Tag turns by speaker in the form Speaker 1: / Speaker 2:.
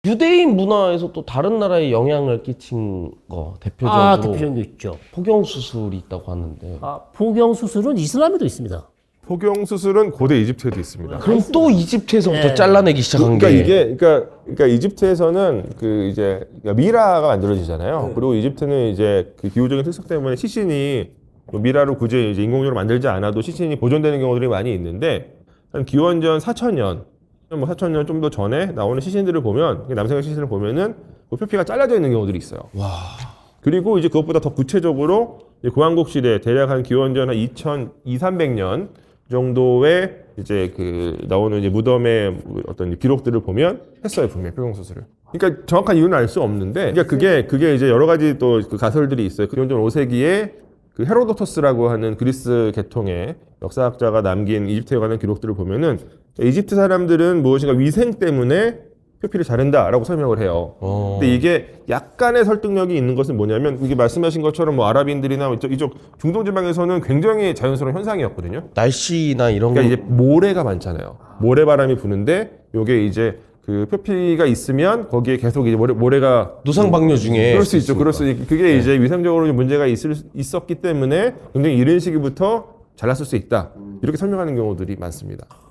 Speaker 1: 유대인 문화에서 또 다른 나라에 영향을 끼친 거 대표적으로
Speaker 2: 대표적인 게 있죠.
Speaker 1: 포경 수술이 있다고 하는데
Speaker 2: 포경 수술은 이슬람에도 있습니다.
Speaker 3: 포경 수술은 고대 이집트에도 있습니다.
Speaker 1: 그럼 또 이집트에서부터
Speaker 2: 네.
Speaker 1: 잘라내기 시작한
Speaker 3: 그러니까
Speaker 1: 게
Speaker 3: 이게 그러니까 이집트에서는 그 이제 미라가 만들어지잖아요. 그리고 이집트는 이제 그 기후적인 특성 때문에 시신이 뭐 미라로 굳이 이제 인공적으로 만들지 않아도 시신이 보존되는 경우들이 많이 있는데 한 기원전 4,000년, 뭐 4,000년 좀 더 전에 나오는 시신들을 보면 남성의 시신을 보면은 그 표피가 잘라져 있는 경우들이 있어요.
Speaker 1: 와.
Speaker 3: 그리고 이제 그것보다 더 구체적으로 고왕국 시대 대략 한 기원전 한 2,200~300년 정도의 이제 그 나오는 이제 무덤의 어떤 기록들을 보면 했어요, 분명히 포경 수술을. 그러니까 정확한 이유는 알 수 없는데, 그러니까 그게 이제 여러 가지 또 그 가설들이 있어요. 기원전 5세기에 그 헤로도토스라고 하는 그리스 계통의 역사학자가 남긴 이집트에 관한 기록들을 보면은 이집트 사람들은 무엇인가 위생 때문에 표피를 자른다라고 설명을 해요. 근데 이게 약간의 설득력이 있는 것은 뭐냐면 이게 말씀하신 것처럼 뭐 아랍인들이나 이쪽 중동 지방에서는 굉장히 자연스러운 현상이었거든요.
Speaker 1: 날씨나 이런
Speaker 3: 그러니까 이제 모래가 많잖아요. 모래바람이 부는데 요게 이제 그 표피가 있으면 거기에 계속 이제 모래가
Speaker 1: 노상방뇨 중에
Speaker 3: 그럴 수 있죠. 그럴 수 그게 이제 위생적으로 좀 문제가 있었기 때문에 굉장히 이른 시기부터 잘랐을 수 있다. 이렇게 설명하는 경우들이 많습니다.